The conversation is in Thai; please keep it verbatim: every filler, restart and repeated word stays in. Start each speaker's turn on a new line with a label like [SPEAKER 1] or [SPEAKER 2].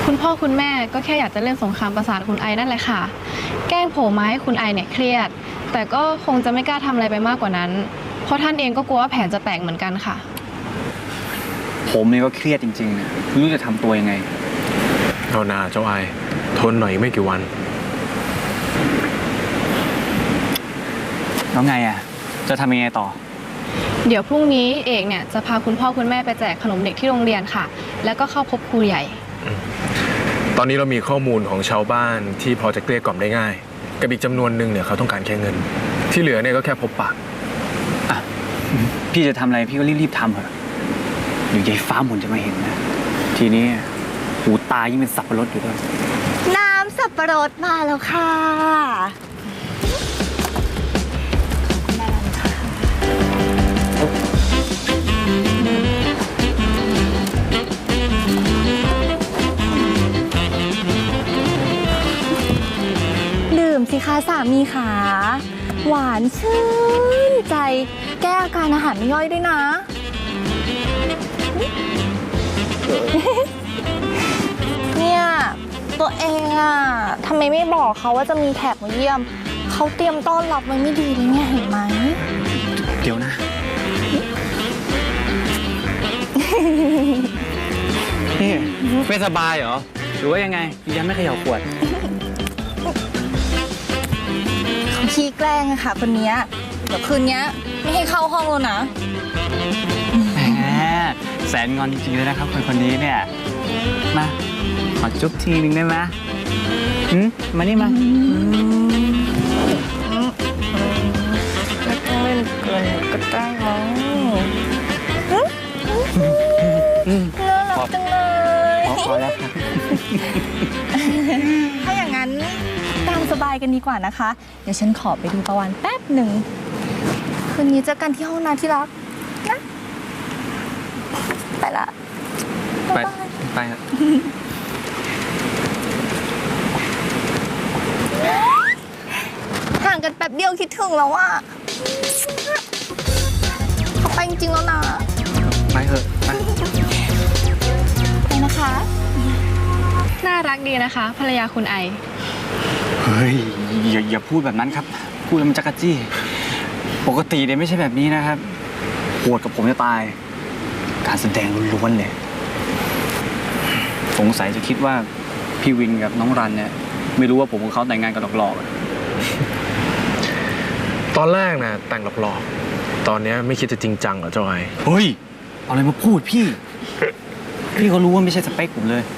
[SPEAKER 1] คุณพ่อคุณแม่ก็แค่อยากจะเล่นสงครามประสาทคุณไอนั่นแหละค่ะแกล้งโผล่มาให้คุณไอเนี่ยเครียดแต่ก็คงจะไม่กล้าทำอะไรไปมากกว่านั้นเพราะท่านเองก็กลัวว่าแผนจะแตกเหมือนกันค่ะ
[SPEAKER 2] ผมเนี่ยก็เครียดจริงๆนะไม่รู้จะทำตัวยังไง
[SPEAKER 3] เอาหนาเจ้าไอทนหน่อยไม่กี่วัน
[SPEAKER 2] แล้วไงอ่ะจะทำยังไงต่อ
[SPEAKER 1] เดี๋ยวพรุ่งนี้เอกเนี่ยจะพาคุณพ่อคุณแม่ไปแจกขนมเด็กที่โรงเรียนค่ะแล้วก็เข้าพบครูใหญ่
[SPEAKER 3] ตอนนี้เรามีข้อมูลของชาวบ้านที่พอจะเกลี้ยกล่อมได้ง่ายกับอีกจำนวนหนึ่งเนี่ยเขาต้องการแค่เงินที่เหลือเนี่ยก็แค่พบปาก
[SPEAKER 2] อ่ะพี่จะทำอะไรพี่ก็รีบๆทำเถอะเดี๋ยวยายฟ้าหมุนจะมาเห็นนะทีนี้หูตายิ่งเป็นสับปะรดอยู่ด้วย
[SPEAKER 4] น้ำสับปะรดมาแล้วค่ะดื่มสิคะสามีขาหวานชื่นใจแก้อาการอาหารไม่ย่อยด้วยนะเนี่ยตัวเองอ่ะทำไมไม่บอกเขาว่าจะมีแขกมาเยี่ยมเขาเตรียมต้อนรับไว้ไม่ดีเลยเนี่ยเห็นไหม
[SPEAKER 2] เดี๋ยวนะนี่ไม่สบายเหรอหรือว่ายังไงยังไม่เขย่าขวด
[SPEAKER 4] เขาขี้แกล้งอะค่ะคนนี้เดี๋ยวคืนนี้ไม่ให้เข้าห้องแล้วนะ
[SPEAKER 2] แหมแสนงอนจริงๆเลยนะครับคนคนนี้เนี่ยมาขอจุ๊บทีนึงได้ไหมหืมมานี่มา
[SPEAKER 4] ก็ต้องเล่นเกินก็ได้มั้งน่ารักจังเลย
[SPEAKER 2] พอแล้วครับ
[SPEAKER 4] ถ้าอย่างนั้นตามสบายกันดีกว่านะคะเดี๋ยวฉันขอไปดูประวันแป๊บหนึ่งคืนนี้เจอกันที่ห้องน้ำที่รักนะไปละ
[SPEAKER 2] ไปไปครับ
[SPEAKER 4] ห่างกันแป๊บเดียวคิดถึงแล้วอ่ะเขาไปจริงๆแล้วนะ
[SPEAKER 2] ไปเถอะไป
[SPEAKER 4] ไปนะคะ
[SPEAKER 1] น่ารักดีนะคะภรรยาคุณไอ
[SPEAKER 2] เฮ้ยอย่าอย่าพูดแบบนั้นครับพูดแล้วมันจักรจี้ปกติเนี่ยไม่ใช่แบบนี้นะครับโหดกับผมจะตายการแสดงล้วนๆเลยสงสัยจะคิดว่าพี่วินกับน้องรันเนี่ยไม่รู้ว่าผมกับเขาแต่งงานกันหลอก
[SPEAKER 3] ๆตอนแรกนะแต่งหลอกๆตอนนี้ไม่คิดจะจริงจังเหรอเจ้าไอ
[SPEAKER 2] เฮ้ยเอาอะไรมาพูดพี่พี่เขารู้ว่าไม่ใช่สเปคผมเลย